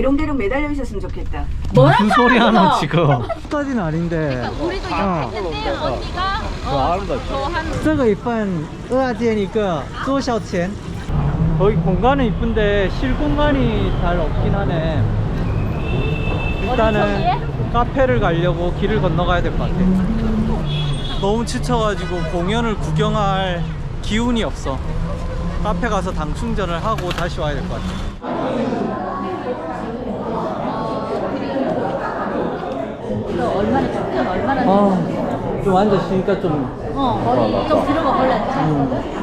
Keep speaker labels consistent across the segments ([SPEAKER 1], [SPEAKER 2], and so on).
[SPEAKER 1] 대롱대롱 매달려 있었으면 좋겠다.
[SPEAKER 2] 무슨 소리 하나 지금. 까지는 아닌데.
[SPEAKER 3] 우리도 약했는데 언니가 더한
[SPEAKER 2] 这个一份2件一个多少钱? 거기 공간은 이쁜데 실 공간이 잘 없긴 하네. 일단은 카페를 가려고 길을 건너가야 될 것 같아. 너무 지쳐가지고 공연을 구경할 기운이 없어. 카페 가서 당 충전을 하고 다시 와야 될 것 같아.
[SPEAKER 3] 얼마나 춥든 얼마나
[SPEAKER 2] 좀 앉아 쉬니까 좀
[SPEAKER 3] 머리 좀 들어가 볼래.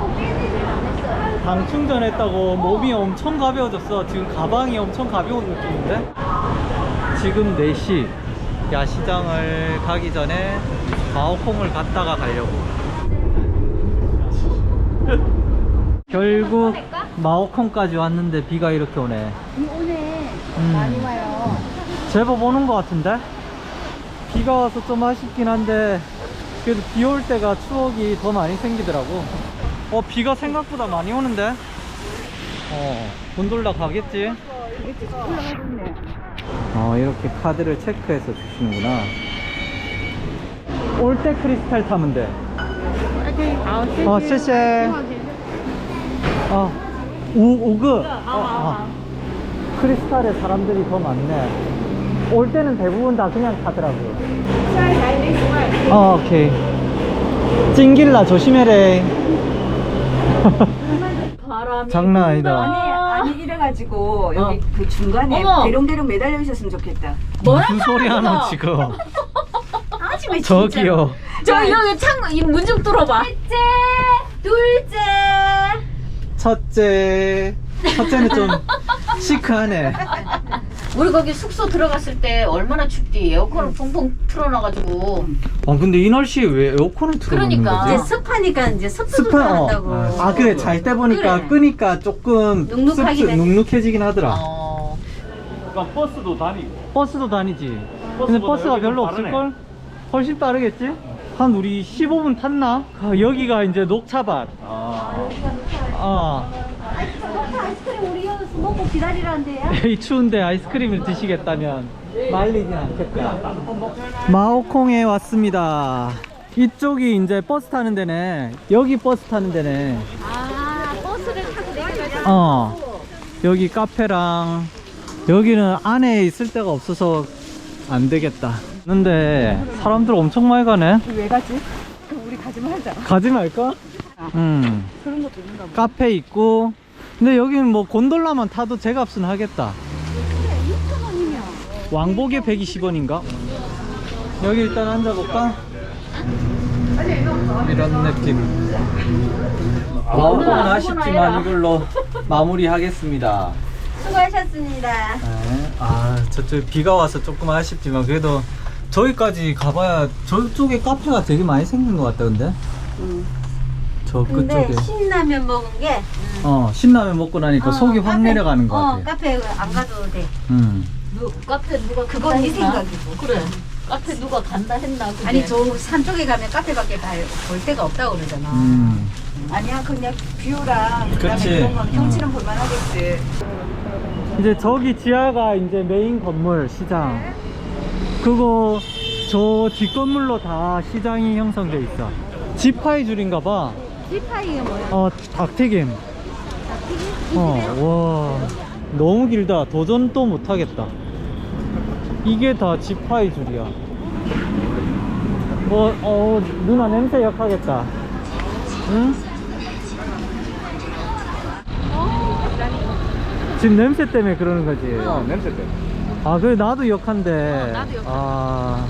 [SPEAKER 2] 당 충전했다고 몸이 엄청 가벼워졌어. 지금 가방이 엄청 가벼운 느낌인데. 지금 4시 야시장을 가기 전에 마오콩을 갔다가 가려고. 결국 마오콩까지 왔는데 비가 이렇게 오네.
[SPEAKER 3] 비 오네. 많이 와요.
[SPEAKER 2] 제법 오는 것 같은데? 비가 와서 좀 아쉽긴 한데 그래도 비 올 때가 추억이 더 많이 생기더라고. 비가 생각보다 많이 오는데? 곤돌라 가겠지? 이렇게 카드를 체크해서 주시는구나. 올 때 크리스탈 타면 돼. 谢谢. 5그. 크리스탈에 사람들이 더 많네. 올 때는 대부분 다 그냥 타더라고. 오케이. 찡길라 조심해래.
[SPEAKER 3] 바람이
[SPEAKER 2] 장난 아니다.
[SPEAKER 1] 아니 이래가지고 여기 그 중간에
[SPEAKER 3] 어머.
[SPEAKER 1] 대롱대롱 매달려 있었으면 좋겠다.
[SPEAKER 2] 무슨 소리 하나 지금.
[SPEAKER 3] 하지마.
[SPEAKER 2] 저기요.
[SPEAKER 3] 저 여기 창문 좀 뚫어봐. 셋째, 둘째.
[SPEAKER 2] 첫째는 좀 시크하네.
[SPEAKER 3] 우리 거기 숙소 들어갔을 때 얼마나 춥디. 에어컨을 펑펑 틀어놔가지고.
[SPEAKER 2] 근데 이 날씨에 왜 에어컨을 틀어놓는
[SPEAKER 3] 그러니까.
[SPEAKER 2] 거지?
[SPEAKER 1] 이제 습하니까 이제 습도
[SPEAKER 2] 습한,
[SPEAKER 1] 조절한다고.
[SPEAKER 2] 그래. 잘 때 보니까
[SPEAKER 3] 그래.
[SPEAKER 2] 끄니까 조금
[SPEAKER 1] 눅눅하긴 해.
[SPEAKER 2] 눅눅해지긴 하더라.
[SPEAKER 4] 그러니까 버스도 다니고.
[SPEAKER 2] 버스도 다니지. 근데 버스가 별로 없을걸? 훨씬 빠르겠지? 한 우리 15분 탔나? 여기가 이제 녹차밭.
[SPEAKER 1] 아이스크림 우리 여기서 먹고 기다리라는데요?
[SPEAKER 2] 이 추운데 아이스크림을 드시겠다면 말리진 않겠다. 마오콩에 왔습니다. 이쪽이 이제 버스 타는 데네. 여기 버스 타는 데네.
[SPEAKER 3] 버스를 타고 내려가자.
[SPEAKER 2] 여기 카페랑 여기는 안에 있을 데가 없어서 안 되겠다. 근데 사람들 엄청 많이 가네.
[SPEAKER 1] 왜 가지? 우리 가지 말자.
[SPEAKER 2] 가지 말까?
[SPEAKER 1] 그런 것도 있는가 봐.
[SPEAKER 2] 카페 있고. 근데 여기는 뭐 곤돌라만 타도 제값은 하겠다.
[SPEAKER 1] 6,000원이면.
[SPEAKER 2] 왕복에 120원인가? 여기 일단 앉아볼까? 이런 느낌. 마오콩은 아쉽지만 이걸로 마무리하겠습니다.
[SPEAKER 1] 수고하셨습니다.
[SPEAKER 2] 네. 저쪽 비가 와서 조금 아쉽지만 그래도 저기까지 가봐야 저쪽에 카페가 되게 많이 생긴 것 같다. 근데 저
[SPEAKER 1] 근데
[SPEAKER 2] 끝쪽에
[SPEAKER 1] 신라면 먹은 게
[SPEAKER 2] 신라면 먹고 나니까 속이 확 내려가는 것 같아.
[SPEAKER 1] 카페 안 가도 돼.
[SPEAKER 3] 카페 누가
[SPEAKER 1] 그건
[SPEAKER 3] 간다
[SPEAKER 1] 네
[SPEAKER 3] 했나?
[SPEAKER 1] 생각이고.
[SPEAKER 3] 그래. 카페 누가 간다 했나? 그게.
[SPEAKER 1] 아니 저 산 쪽에 가면 카페밖에 볼 데가 없다고 그러잖아. 아니야 그냥 뷰랑 그다음에
[SPEAKER 2] 그치.
[SPEAKER 1] 그런 건 경치는 볼만하겠지.
[SPEAKER 2] 이제 저기 지하가 이제 메인 건물 시장. 그거 저 뒷건물로 다 시장이 형성돼 있어. 지파이 줄인가 봐.
[SPEAKER 1] 지파이가 뭐야?
[SPEAKER 2] 닭튀김. 와 너무 길다. 도전도 못하겠다. 이게 다 지파이 줄이야. 누나 냄새 역하겠다. 응? 지금 냄새 때문에 그러는 거지.
[SPEAKER 4] 냄새 때문에.
[SPEAKER 2] 그래 나도 역한데.
[SPEAKER 3] 나도 역한데.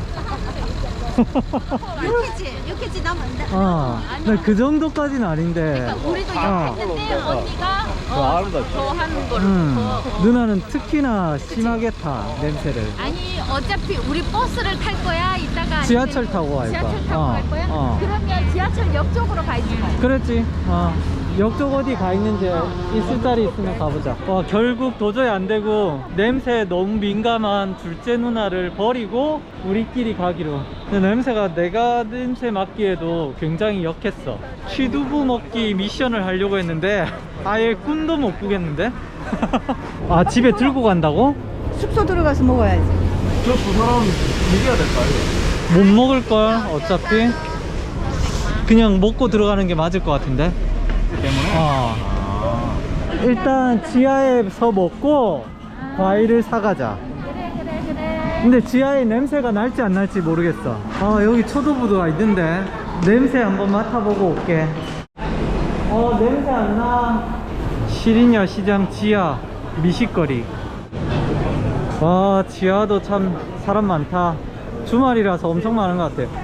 [SPEAKER 3] 욕했지 나 뭔데?
[SPEAKER 2] 나그 정도까지는 아닌데.
[SPEAKER 3] 그러니까 우리도 욕했는데 언니가
[SPEAKER 4] 아름답지.
[SPEAKER 3] 더 하는 거를
[SPEAKER 2] 누나는 특히나 심하게 타 냄새를.
[SPEAKER 3] 아니 어차피 우리 버스를 탈 거야 이따가
[SPEAKER 2] 지하철 타고 갈 거야.
[SPEAKER 3] 지하철 타고 갈 거야? 그러면 지하철 역 쪽으로 가야지.
[SPEAKER 2] 그랬지. 옆쪽 어디 가 있는지 있을 자리 있으면 가보자. 와, 결국 도저히 안 되고 냄새에 너무 민감한 둘째 누나를 버리고 우리끼리 가기로. 근데 냄새가 내가 냄새 맡기에도 굉장히 역했어. 취두부 먹기 미션을 하려고 했는데 아예 꿈도 못 꾸겠는데? 아, 집에 들고 간다고?
[SPEAKER 1] 숙소 들어가서 먹어야지.
[SPEAKER 4] 저 두 사람 이겨야 될까요?
[SPEAKER 2] 못 먹을걸 어차피. 그냥 먹고 들어가는 게 맞을 것 같은데.
[SPEAKER 4] 때문에?
[SPEAKER 2] 일단 지하에서 먹고 과일을 사가자. 근데 지하에 냄새가 날지 안 날지 모르겠어. 아, 여기 초도부도가 있는데 냄새 한번 맡아보고 올게. 냄새 안 나. 시리냐 시장 지하 미식거리. 와, 지하도 참 사람 많다. 주말이라서 엄청 많은 것 같아.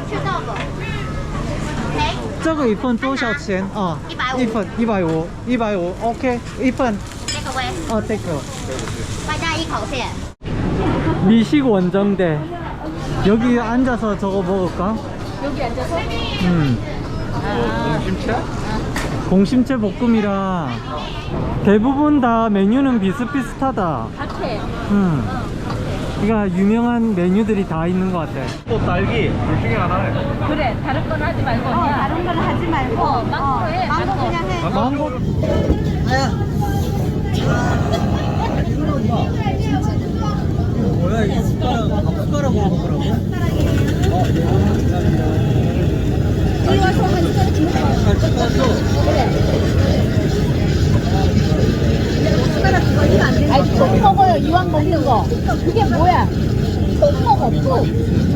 [SPEAKER 2] 这个一份多少钱啊？一份150 OK 一份
[SPEAKER 5] Takeaway，
[SPEAKER 2] take
[SPEAKER 5] 外加一口线。
[SPEAKER 2] 미식 원정대. 여기 앉아서 저거 먹을까?
[SPEAKER 3] 여기 앉아서?
[SPEAKER 4] 공심채?
[SPEAKER 2] 공심채 볶음이라 대부분 다 메뉴는 비슷비슷하다.
[SPEAKER 3] 같아.
[SPEAKER 2] 그러니까 유명한 메뉴들이 다 있는 것 같아.
[SPEAKER 4] 또 딸기 둘 중에 하나네.
[SPEAKER 3] 그래, 다른 건 하지 말고. 그냥
[SPEAKER 1] 다른 건 하지 말고
[SPEAKER 3] 망고 해.
[SPEAKER 1] 망고
[SPEAKER 3] 망고.
[SPEAKER 1] 그냥 해.
[SPEAKER 2] 망고. 뭐야, 이 숟가락으로 먹으라고?
[SPEAKER 3] 아니, 속 먹어요. 이왕 먹는 거. 그게 뭐야? 속 먹어, 속.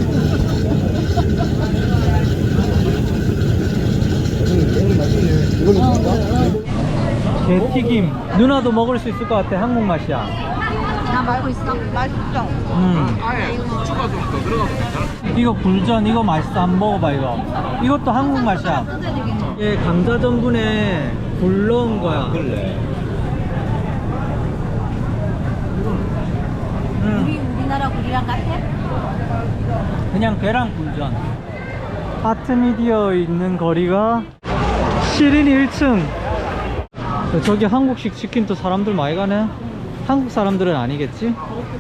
[SPEAKER 2] 게튀김. 누나도 먹을 수 있을 것 같아. 한국 맛이야.
[SPEAKER 1] 나 말고 있어. 맛있어.
[SPEAKER 4] 아예 후추가 좀 더 들어가도 괜찮아?
[SPEAKER 2] 이거 굴전, 이거 맛있어. 한번 먹어봐. 이것도 한국 맛이야. 이게 감자 전분에 굴 넣은 거야.
[SPEAKER 4] 그래.
[SPEAKER 1] 우리나라 굴이랑 같아?
[SPEAKER 2] 그냥 계란 굴전. 아트미디어 있는 거리가 시린이 1층. 저기 한국식 치킨도 사람들 많이 가네. 한국 사람들은 아니겠지?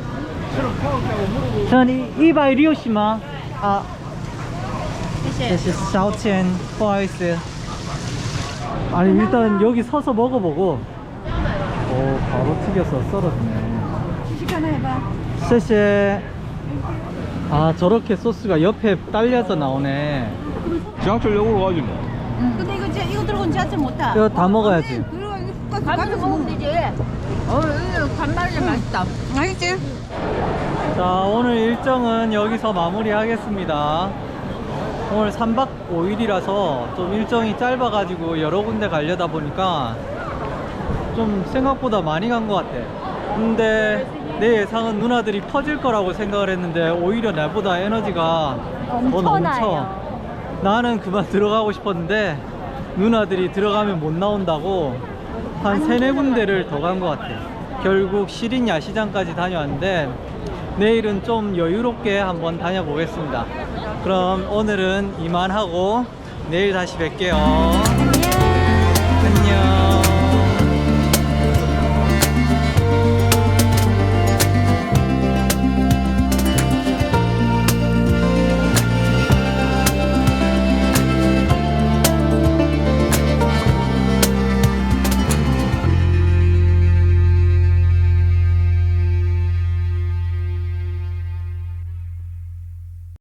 [SPEAKER 2] 저는 160만. 아, 这是烧钱不好意思. 아니, 일단 여기 서서 먹어보고. 오, 바로 튀겨서 썰어주네.
[SPEAKER 1] 시식 하나 해봐.
[SPEAKER 2] 谢谢. 아, 저렇게 소스가 옆에 딸려서 나오네.
[SPEAKER 4] 지하철역으로 가지 뭐.
[SPEAKER 1] 근데 이거 들고 지하철 못 타.
[SPEAKER 2] 이거 다 먹어야지.
[SPEAKER 1] 그리고 이거
[SPEAKER 3] 가면서 먹으면 되지. 간말이 맛있다.
[SPEAKER 1] 맛있지?
[SPEAKER 2] 자, 오늘 일정은 여기서 마무리하겠습니다. 오늘 3박 5일이라서 좀 일정이 짧아가지고 여러 군데 가려다 보니까 좀 생각보다 많이 간 것 같아. 근데 내 예상은 누나들이 퍼질 거라고 생각을 했는데 오히려 나보다 에너지가 더 넘쳐. 나는 그만 들어가고 싶었는데 누나들이 들어가면 못 나온다고 한 3-4군데를 더 간 것 같아. 결국 시린 야시장까지 다녀왔는데 내일은 좀 여유롭게 한번 다녀보겠습니다. 그럼 오늘은 이만하고 내일 다시 뵐게요. 안녕.